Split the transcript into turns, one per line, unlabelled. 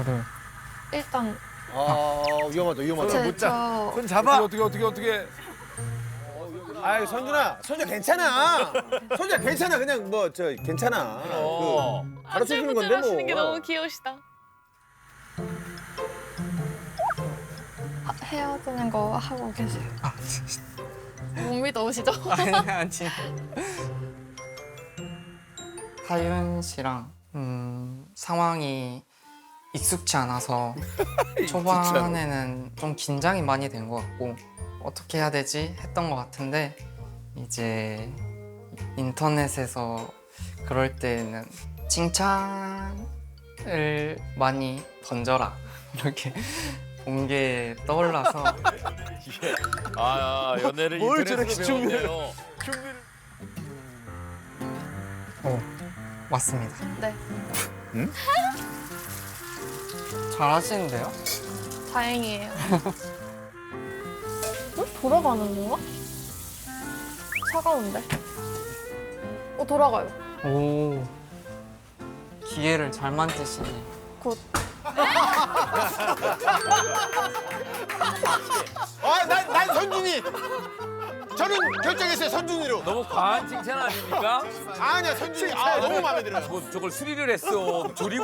저를
일단
위험하다 위험하다.
저
잡아. 어떻게. 아이 선준아 괜찮아. 선준아 괜찮아 그냥 뭐 저 괜찮아. 가르쳐 주는 건데
하시는 게
뭐.
너무 귀여우시다.
헤어지는 거 하고 계세요. 못 믿어오시죠?
아니 하윤 씨랑 상황이 익숙치 않아서 초반에는 좀 긴장이 많이 된 것 같고 어떻게 해야 되지 했던 것 같은데 이제 인터넷에서 그럴 때는 칭찬을 많이 던져라 이렇게 본 게 떠올라서
아 연애를
뭘
인터넷으로
저렇게
배웠네요.
맞습니다.
네.
잘하시는데요?
다행이에요. 돌아가는 건가? 차가운데? 돌아가요.
오 기회를 잘 만드시네.
곧.
난 선준이. 저는 결정했어요 선준이로.
너무 과한 칭찬 아닙니까?
아니야 선준이. 아 너무 마음에 들어요.
뭐 저걸 수리를 했어. 조리